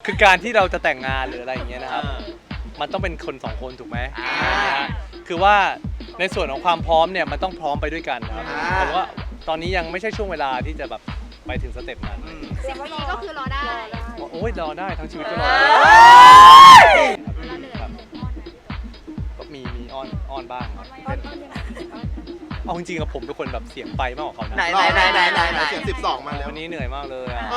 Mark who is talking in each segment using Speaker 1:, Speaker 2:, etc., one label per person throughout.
Speaker 1: คือการที่เราจะแต่งงานหรืออะไรอย่างเงี้ยนะครับมันต้องเป็นคนสองคนถูกไหมคือว่าในส่วนของความพร้อมเนี่ยมันต้องพร้อมไปด้วยกันครับผมว่าตอนนี้ยังไม่ใช่ช่วงเวลาที่จะแบบไปถึงสเต็ปนั้น
Speaker 2: 10 ปีก็คือรอได้
Speaker 1: โอ้ยรอได้ทั้งชีวิตก็รอได้ครับก็มีอ้อนบ้างครับเอาจริงๆกับผมเป็นคนแบบเสียงไปมากกว่าเขานะ
Speaker 3: ไหน
Speaker 4: เสียง12มาแล้ว
Speaker 1: วันนี้เหนื่อยมากเลยอ่ะ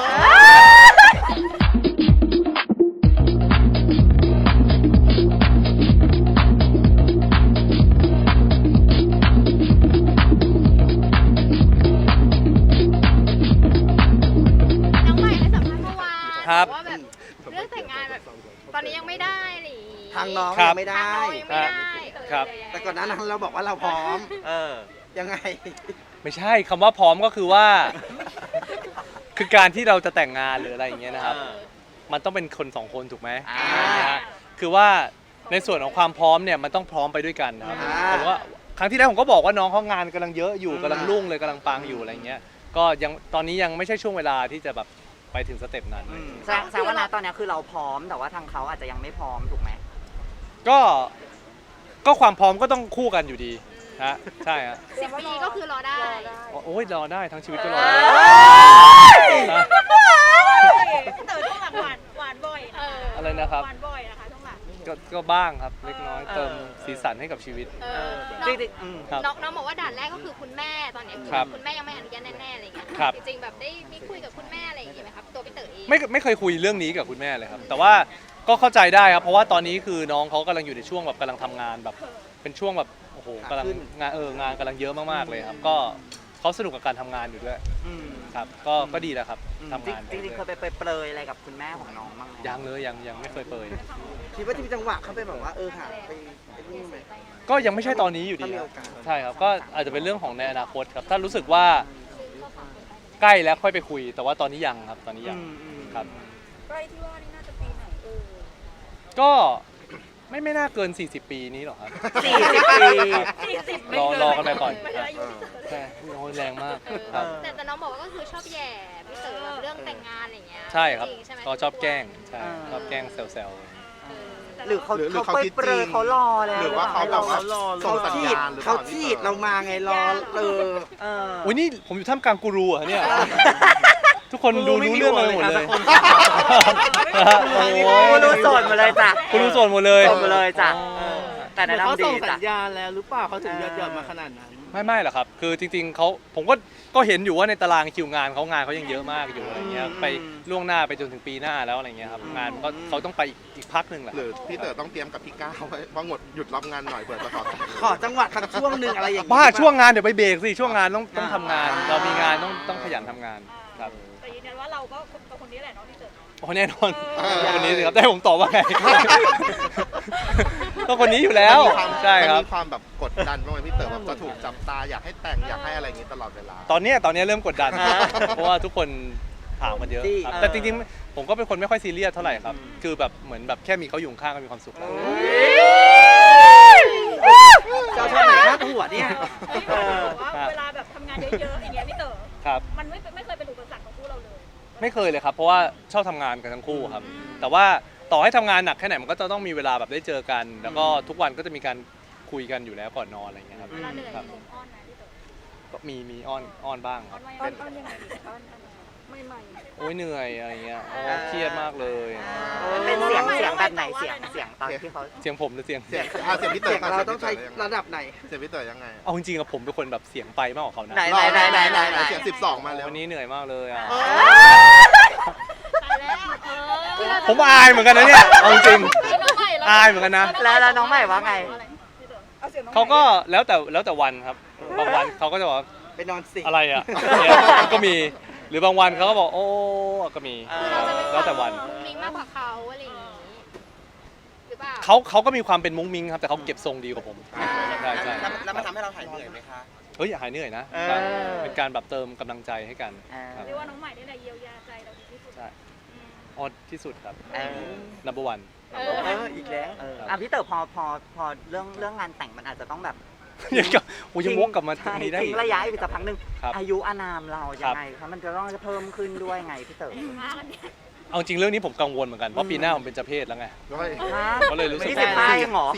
Speaker 2: น้องใหม่ให้สัมภาษณ์เมื่อวาน
Speaker 1: ครับ
Speaker 2: ว่าแบบเรื่องแต่งงานแบบตอนนี้ยังไม่ได้หรือ
Speaker 3: ทางน้อง
Speaker 1: ครับ
Speaker 3: ยังไม่ได้
Speaker 2: ทางเรายังไม่ได้
Speaker 1: ครับ
Speaker 3: แต่ก่อนหน้านั้นเราบอกว่าเราพร้อมยังไง
Speaker 1: ไม่ใช่คำว่าพร้อมก็คือว่า คือการที่เราจะแต่งงานหรืออะไรอย่างเงี้ยนะครับมันต้องเป็นคนสองคนถูกไหมคือว่าในส่วนของความพร้อมเนี่ยมันต้องพร้อมไปด้วยกันนะครับผมว่าครั้งที่แล้วผมก็บอกว่าน้องเขางานกำลังเยอะอยู่กำลังรุ่งเลยกำลังปังอยู่อะไรเงี้ยก็ยังตอนนี้ยังไม่ใช่ช่วงเวลาที่จะแบบไปถึงสเต็ปนั้น
Speaker 5: แสดงว่าณตอนนี้คือเราพร้อมแต่ว่าทางเขาอาจจะยังไม่พร้อมถูกไหม
Speaker 1: ก็ความพร้อมก็ต้องคู่กันอยู่ดีฮะใช่ฮะ
Speaker 2: 10 ปีก็คือรอได้
Speaker 1: โอ้ยรอได้ทั้งชีวิตก็รอได้
Speaker 6: เต๋อช่วงหลังหวานบ่อยนะคะ
Speaker 1: อะไรนะครับ
Speaker 6: หวานบ่อยนะคะช่วงหลัง
Speaker 1: ก็บ้างครับเล็กน้อยเติมสีสันให้กับชีวิต
Speaker 5: จริง
Speaker 1: ครับ
Speaker 2: น้องบอกว่าด่านแรกก็คือคุณแม่ตอนนี้
Speaker 1: ครับ
Speaker 2: คุณแม่ยังไม่อนุญาตแน่ๆอะไรอย่างเงี้ย
Speaker 1: ครับ
Speaker 2: จริงๆแบบได้มีคุยกับคุณแม่อะไรอย่างเงี้ยไหมครับตัวพี่เต๋อเอง
Speaker 1: ไม่เคยคุยเรื่องนี้กับคุณแม่เลยครับแต่ว่าก็เข้าใจได้ครับเพราะว่าตอนนี้คือน้องเขากำลังอยู่ในช่วงแบบกำลังทำงานแบบเป็นช่วงแบบโอ้โหกำลังงานกำลังเยอะมากๆเลยครับก็เขาสนุกกับการทำงานอยู่ด้วยครับก็ดีแล้วครับทำงาน
Speaker 5: จริงๆเคยไปเปรยอะไรกับคุณแม่ของน้องบ้างไหม
Speaker 1: ยังเลยยังไม่เคยเปิด
Speaker 3: คิดว่าจะมีจังหวะเขาไปแบบว่าหาไปนี่ไหม
Speaker 1: ก็ยังไม่ใช่ตอนนี้อยู่ดี
Speaker 3: ถ้ามี
Speaker 1: ค
Speaker 3: โอ
Speaker 1: รับ
Speaker 3: กาส
Speaker 1: ใช่ครับก็อาจจะเป็นเรื่องของในอนาคตครับถ้ารู้สึกว่าใกล้แล้วค่อยไปคุย แต่ว่าตอนนี้ยังครับตอนนี้ยังครับ
Speaker 6: ใกล้ที่ว่านี่น่าจะปีไหน
Speaker 1: ก็ไม่น่าเกิน 40 ปีนี้หรอกครับ
Speaker 5: 40 ปี
Speaker 1: รอกันไปก่อนครับใช่โอ้ยแรงมากครับ
Speaker 2: แต่น้องบอกว่าก็คือชอบแย่พี่เต๋อแบบเรื่องแต่งงานอะไรอย่างเงี้ย
Speaker 1: ใช่ครับ
Speaker 2: จงๆใช่ไหม
Speaker 1: ก็ชอบแกล้งใช่ชอบแกล้งแซว
Speaker 5: หรือเขาเปรยเขารอแล้ว
Speaker 4: หรือว่าเขาแบบว่าส่งสัญญาณหรือเป
Speaker 3: เขา
Speaker 4: ล่า
Speaker 3: ฉีดเรามาไงรอ
Speaker 1: ๆอุ้ยนี่ผมอยู่ท่ามกลางกูรูเหรอเนี่ยทุกคนดูรู้เรื่องกันหมดเลย
Speaker 5: กูรู้โสดหมดเลยจ้ะ
Speaker 1: กูรู้โสดหมดเลย
Speaker 5: โสดหมดเลยจ้ะแต่แนะ
Speaker 3: เขา
Speaker 5: นำดี
Speaker 3: ส่งสั
Speaker 5: จ้ะ
Speaker 3: ญญาณแล้วหรือเปล่าเขาถึงยอดมาขนาดนั้น
Speaker 1: ไม่หรอกครับคือจริงๆผมก็เห็นอยู่ว่าในตารางคิวงานเขายังเยอะมากอยู่อะไรเงี้ยไปล่วงหน้าไปจนถึงปีหน้าแล้วอะไรเงี้ยครับงานก็เขาต้องไปอีกพักหนึ่งแหละ
Speaker 4: หรือพี่เต๋อต้องเตรียมกับพี่ก้าวไว้ว่างดหยุดรับงานหน่อยเผื่อจะขอ
Speaker 3: ขอจังหวะสักช่วงหนึ่งอะไรอย่าง
Speaker 1: บ้าช่วงงานเดี๋ยวไปเบรกสิช่วงงานต้องทำงาน เรามีงานต้องขยันทำงานครับ
Speaker 6: แต่ยืนยันว่าเราก็เป็นคนนี้แหละเนาะที่เต๋อ
Speaker 1: โอ้แน่นอนคนนี้สิครับได้ผมตอบว่าไง ก็คนนี้อยู่แล้วใช่ครับ
Speaker 4: มันมีความแบบกดดันบ้างไหมพี่เต๋อแบบจะถูกจับตาอยากให้แต่งอยากให้อะไรอย่างงี้ตลอดเวลา
Speaker 1: ตอนเนี้ยเริ่มกดดัน เพราะว่าทุกคนถามมันเยอะครับแต่จริงๆผมก็เป็นคนไม่ค่อยซีเรียสเท่าไหร่ครับคือแบบเหมือนแบบแค่มีเขาอยู่ข้างก็มีความสุขแล้ว
Speaker 3: เจ้าชายไหนหน้าหัวเนี่ย
Speaker 6: ว่าเวลาแบบทำงานเยอะๆอย่างเงี้ยพี่เต๋อ
Speaker 1: ครับ
Speaker 6: มันไม่เคยเป็นอุปสรรคของคู่เราเลย
Speaker 1: ไม่เคยเลยครับเพราะว่าชอบทำงานกันทั้งคู่ครับแต่ว่าต่อให้ทำงานหนักแค่ไหนมันก็จะต้องมีเวลาแบบได้เจอกัน แล้วก็ทุกวันก็จะมีการคุยกันอยู่แล้วก่อนนอนอะไรอย่างเงี้ยครับ
Speaker 6: เวลาเหนื่อย
Speaker 1: ครับ
Speaker 6: มีอ้อนนะพี่เต๋อ
Speaker 1: ก็มีอ้อนบ้างค
Speaker 6: อ้อ
Speaker 1: รั
Speaker 6: น
Speaker 1: บ
Speaker 6: ว่ายังไงอ้อนไม่
Speaker 1: โอ้ยเหนื่อยอะไรเงี้ยโอ้เครียดมากเลย
Speaker 5: เป็นเสียงแบบไหนเสียงตอนที่เขา
Speaker 1: เสียงผมหรือเสียง
Speaker 4: เสียงพี่เต๋
Speaker 3: เสี
Speaker 4: อย
Speaker 3: งเราต้องใช้ระดับไหน
Speaker 4: เสียงพี่เต๋อยังไง
Speaker 1: เอาจริงๆอะผมเป็นคนแบบเสียงไปมากกว่าเขานะ
Speaker 5: ไหน
Speaker 4: เสียง12มาแล้ว
Speaker 1: วันนี้เหนื่อยมากเลยอ่ะ
Speaker 6: ตายแล้ว
Speaker 1: ผมอายเหมือนกันนะเนี่ยเอาจริงอายเหมือนกันนะ
Speaker 5: แล้วน้องใหม่ว่าไง
Speaker 1: เขาก็แล้วแต่วันครับบางวันเขาก็จะบอกว่า
Speaker 3: ไปนอนสิ
Speaker 1: อะไรอ่ะเนี่ยก็มีหรือบางวันเขาก็บอกโอ้ก็มี
Speaker 2: เราจะเป็น
Speaker 1: แล้วแต่วัน
Speaker 2: มุ้งมิ้งมากกว่าเขาอะไรอย่างงี้หรือเปล่า
Speaker 1: เขาก็มีความเป็นมุ้งมิ้งครับแต่เขาเก็บทรงดีกว่าผมใช่ใช่
Speaker 3: แล้วมันทำให้เราหายเหนื่อยไหมคะ
Speaker 1: เฮ้ยอย่าหายเหนื่อยนะครับเป็นการแบบเติมกำลังใจให้กันครับ
Speaker 6: เรียกว่าน้องใหม่นี่แหละเยียวยาใจเราดีที่สุด
Speaker 1: ใช่ออดที่สุดครับ number one
Speaker 3: อีกแล้ว
Speaker 5: พี่เต๋อพอเรื่องงานแต่งมันอาจจะต้องแบบ
Speaker 1: ยังวกกลับมาตรงนี้ได้
Speaker 5: ทิ้
Speaker 1: อี
Speaker 5: ง
Speaker 1: ก
Speaker 5: ระยะอีกสักพักหนึ่ง
Speaker 1: ครับ
Speaker 5: อายุอานามเรายังไงคะมันจะต้องเพิ่มขึ้นด้วยไงพี่เต๋อ
Speaker 1: เอาจริงเรื่องนี้ผมกังวลเหมือนกันเพราะปีหน้าผมเป็นเจ้าเพศแล้วไง
Speaker 4: ด้วย
Speaker 1: ก็เลยรู้สึก
Speaker 5: ที่15เองเหรอ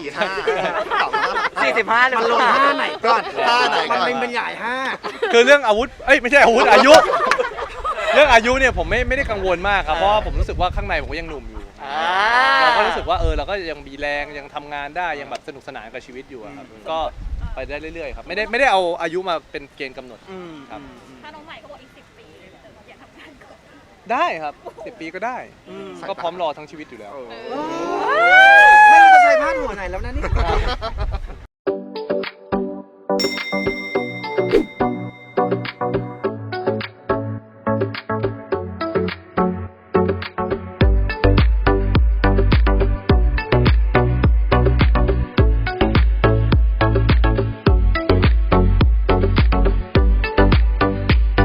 Speaker 5: 45เลย
Speaker 3: มันลงท่าไหนก่อน
Speaker 4: ท่าไหนก่อน
Speaker 3: มันเป็นบรรยายห้า
Speaker 1: คือเรื่องอาวุธเอ้ยไม่ใช่อาวุธอายุ เรื่องอายุเนี่ยผมไม่ได้กังวลมากครับเพราะว่าผมรู้สึกว่าข้างในผมก็ยังหนุ่มอยู่เราก็รู้สึกว่าเราก็ยังมีแรงยังทำงานได้ยังแบบสนุกสนานกับชีวิตอยู่อะครับก็ไปได้เรื่อยๆครับไม่ได้เอาอายุมาเป็นเกณฑ์กำหนดครับ
Speaker 6: ถ้าน้องใหม่เขาบอกอีก10 ปีเลยพี่เต๋ออยากทำงานก่อน
Speaker 1: ได้ครับ10 ปีก็ได้ก็พร้อมรอทั้งชีวิตอยู่แล้ว
Speaker 3: ไม่รู้จะใช้พาดหัวไหนแล้วนะนี่